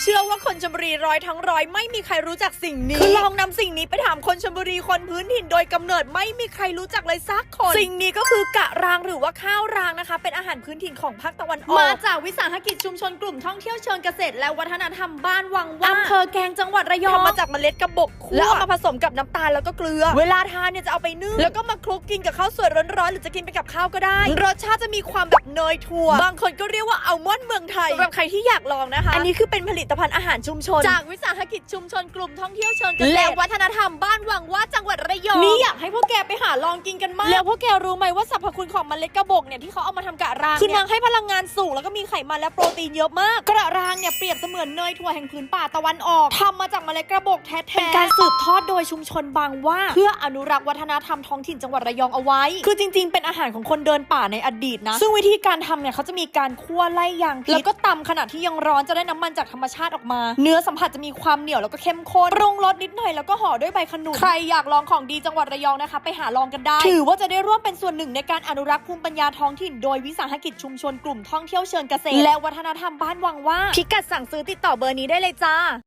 เชื่อว่าคนชลบุรีร้อยทั้งร้อยไม่มีใครรู้จักสิ่งนี้คือลองนำสิ่งนี้ไปถามคนชลบุรีคนพื้นถิ่นโดยกำเนิดไม่มีใครรู้จักเลยสักคนสิ่งนี้ก็คือกะรางหรือว่าข้าวรางนะคะเป็นอาหารพื้นถิ่นของภาคตะวันออกมาจากวิสาหกิจชุมชนกลุ่มท่องเที่ยวเชิงเกษตรและวัฒนธรรมบ้านวังว่าอำเภอแกลงจังหวัดระยองทำมาจากเมล็ดกระบอกคั่วแล้วเอามาผสมกับน้ำตาลแล้วก็เกลือเวลาทานเนี่ยจะเอาไปนึ่งแล้วก็มาคลุกกินกับข้าวสวยร้อนๆหรือจะกินไปกับข้าวก็ได้รสชาติจะมีความแบบเนยถั่วบางคนก็เรียกว่าอัลมอนด์เมืองไทยสำหรับใครที่อยากลองนะคะอันนี้คือเป็นผลิตภัณฑ์อาหารชุมชนจากวิสาหกิจชุมชนกลุ่มท่องเที่ยวเชิงเกษตรและวัฒนธรรมบ้านวังว่าจังหวัดระยองนี่อยากให้พวกแกไปหาลองกินกันมากแล้วพวกแกรู้ไหมว่าสรรพคุณของเมล็ดกระบอกเนี่ยที่เขาเอามาทำกะรางคือนางให้พลังงานสูงแล้วก็มีไขมันและโปรตีนเยอะมากกระรางเนี่ยเปรียบเสมือนเนยถั่วแห่งพื้นป่าตะวันออกทำมาจากเมล็ดกระบอกแท้ๆเป็นการสืบทอดโดยชุมชนบางว่าเพื่ออนุรักษ์วัฒนธรรมท้องถิ่นจังหวัดระยองเอาไว้คือจริงๆเป็นอาหารของคนเดินป่าในอดีตนะซึ่งวิธีการทำเนี่ยเขาจะมีการคั่วไล่ยางพิษแล้วก็ตำขณะที่ยังร้อนจะได้น้ำมันจากธรรมชาติออกมาเนื้อสัมผัสจะมีความเหนียวแล้วก็เข้มข้นปรุงรสนิดหน่อยแล้วก็ห่อด้วยใบขนุนใครอยากลองของดีจังหวัดระยองนะคะไปหาลองกันได้ถือว่าจะได้ร่วมเป็นส่วนหนึ่งในการอนุรักษ์ภูมิปัญญาท้องถิ่นโดยวิสาหกิจชุมชนกลุ่มท่องเที่ยวเชิงเกษตรและวัฒนธรรมบ้านวังว่าพิกัดสั่งซื้อติดต่อเบอร์นี้ได้เลยจ้า